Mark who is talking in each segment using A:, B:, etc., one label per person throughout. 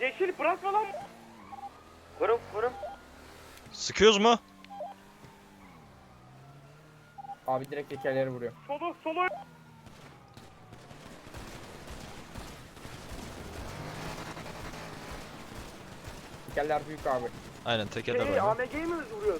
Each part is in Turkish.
A: Yeşil bırakma lan. Vurun.
B: Sıkıyoruz mu?
C: Abi direkt tekerleri vuruyor.
A: Solu.
C: Tekerler büyük abi.
B: Aynen tekerler var.
A: AMG'yi mi vuruyoruz?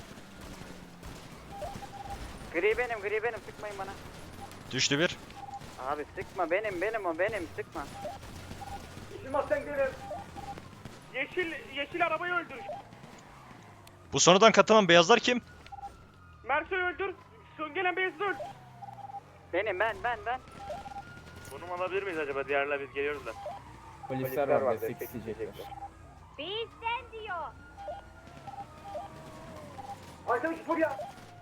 D: Gri benim sıkmayın bana.
B: Düştü bir.
D: Abi sıkma benim sıkma.
A: Yeşil Mustang benim. Yeşil arabayı öldür.
B: Bu sonradan katılan beyazlar kim?
A: Merso'yu öldür. Son gelen beyazı öldür.
D: Benim ben.
A: Konum alabilir miyiz acaba? Diğerler biz geliyoruz da.
C: Polisler var destek isteyecekler.
E: Bizden diyor.
A: Arkadaş buraya.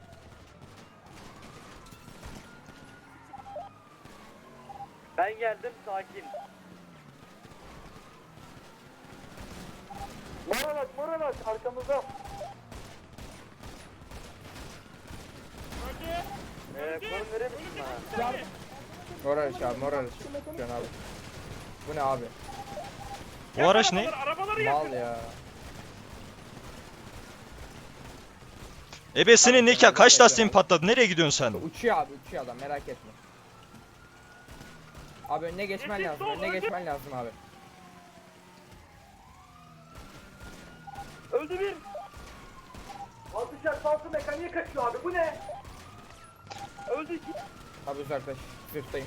D: Ben geldim sakin.
A: Moralat arkamızda.
D: Konum verir misin bana?
C: Moraliş abi moraliş. Can abi. Bu ne abi?
B: Bu araç ne?
A: Arabaları yakın.
C: Mal ya.
B: Ebesinin nikah kaç lastiğin patladı? Nereye gidiyorsun sen?
C: Uçuyor abi uçuyor adam merak etme. Abi önüne geçmen
A: Yeşil
C: lazım.
A: sol,
C: Önüne
A: önce.
C: geçmen lazım abi.
A: Öldü bir. Altışar salsı mekaniğe kaçıyor abi. Bu ne? Öldü iki.
C: Abi uzaklaş. Sırttayım.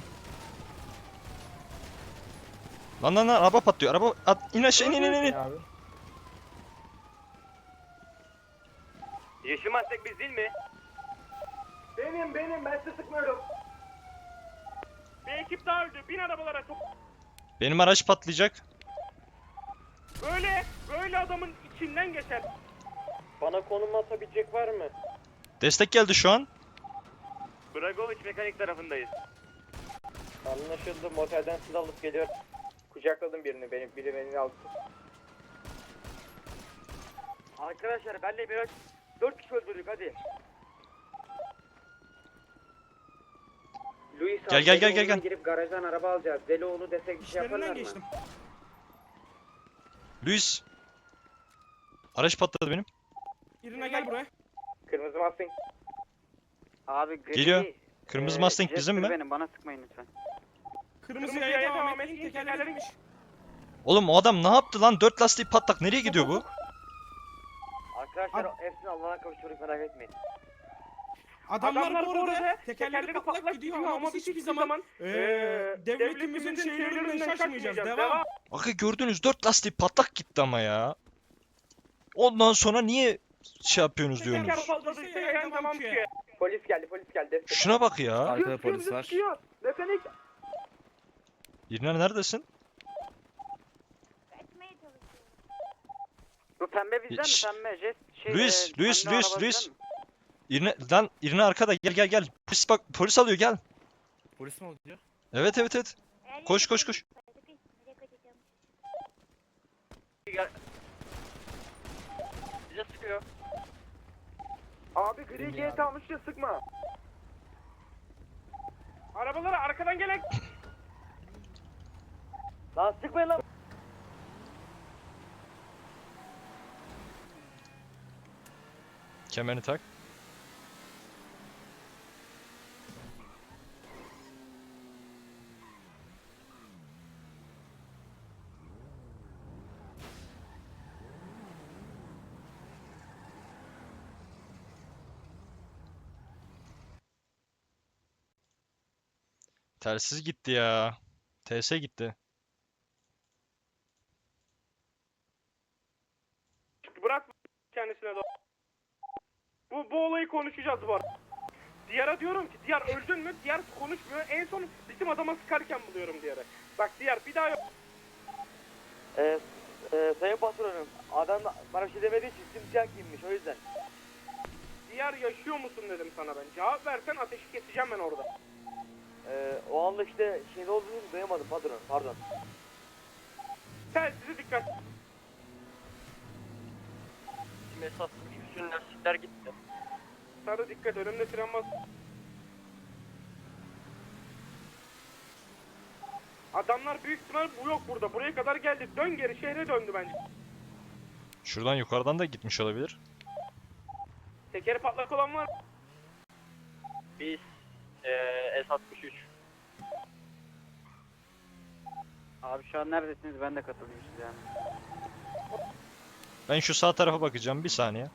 B: Lan araba patlıyor. Araba at in aşağı in.
C: Abi.
A: Yeşil Mustang biz değil mi? Benim. Ben size sıkmıyorum. Bir ekip daha öldü. Bin arabalara çok.
B: Benim araç patlayacak.
A: Böyle adamın içinden geçer. Bana konum atabilecek var mı?
B: Destek geldi şu an.
A: Dragovic mekanik tarafındayız. Anlaşıldı. Motelden silah alıp geliyor. Kucakladım birini. Biri beni aldı.
D: Arkadaşlar benle biraz 4 kişi öldürdük hadi. Luis
B: Gel.
D: Delioğlu'na girip garajdan araba alacağız. Delioğlu desek bir şey yaparlar mı?
F: geçtim.
B: Luis. Araç patladı benim.
F: İrina gel buraya.
A: Kırmızı Mustang.
D: Abi gri,
B: Geliyor. Kırmızı Mustang
D: Jester
B: bizim mi?
D: Benim bana sıkmayın lütfen.
F: Kırmızı yaya devam et. Tekerleri gitmiş.
B: Oğlum o adam ne yaptı lan? 4 lastiği patlak. Nereye gidiyor bu?
D: Arkadaşlar hepsini Allah'a kavuşturuk merak etmeyin.
F: Adamlar bu arada tekerleri patlak gidiyor ama biz hiçbir zaman devletimizin şeylerinden şaşmayacağız. Devam.
B: Bakın gördünüz 4 lastiği patlak gitti ama ya. Ondan sonra niye şey yapıyorsunuz diyorsunuz?
A: Teker patladıysa yayan tamam ki. Polis geldi.
B: Şuna bak ya.
G: Arkada polis var.
A: Mekanik.
B: İrina neredesin?
E: Kaçmaya çalışıyorum.
D: Bu pembe bizden
B: Şşş.
D: mi pembe?
B: Luis,
D: pembe araba
B: Luis.
D: bizden mi?
B: İrina arkada. Gel. Polis alıyor gel.
G: Polis mi oluyor?
B: Evet. Koş.
E: Nereye kaçacağım?
D: Bize sıkıyor.
A: Abi gri GT almış ya sıkma. Arabalara arkadan gelen.
D: Lan sıkmayın lan.
B: Kemerini tak. Telsiz gitti ya. TS gitti.
A: Bırak kendisine doğru. Bu olayı konuşacağız bu arada. Diyar'a diyorum ki Diyar öldün mü? Diyar konuşmuyor. En son bizim adama sıkarken buluyorum Diyar'ı. Bak Diyar bir daha yok.
D: Sayın patronum adam bana bir şey demediği için simsiyah giyinmiş o yüzden.
A: Diyar yaşıyor musun dedim sana ben. Cevap versen ateşi keseceğim ben orada.
D: O anda işte şeyde olduğunu duyamadım patron pardon.
A: Telsize dikkat.
D: Mesaj bütün lastikler gitti.
A: Sarı dikkat önümde tren bas. Adamlar büyük ihtimal bu yok burada. Buraya kadar geldi. Dön geri şehre döndü bence.
B: Şuradan yukarıdan da gitmiş olabilir.
A: Tekeri patlak olan var.
D: Biz S63. Abi şu an neredesiniz? Ben de katılayım size yani.
B: Ben şu sağ tarafa bakacağım bir saniye.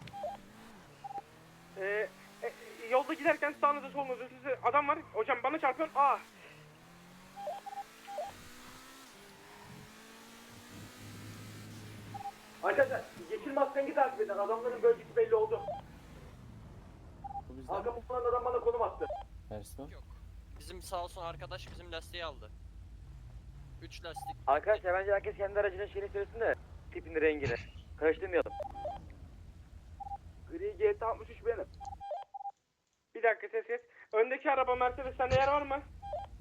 A: Yolda giderken sağınızda solunuza size adam var. Hocam bana çarpıyor. Ah.
D: Arkadaşlar yeşil maskengi takip edin. Adamların bölgesi belli oldu. Arkamdan adam bana konum attı.
H: Bizim sağ olsun arkadaş bizim lastiği aldı. 3 lastik.
D: Arkadaşlar bence herkes kendi aracının şeyini söylesin de tipini rengini. Karıştırmayalım. Gri GT 63 benim.
A: Bir dakika ses kes. Öndeki araba Mercedes sende yer var mı?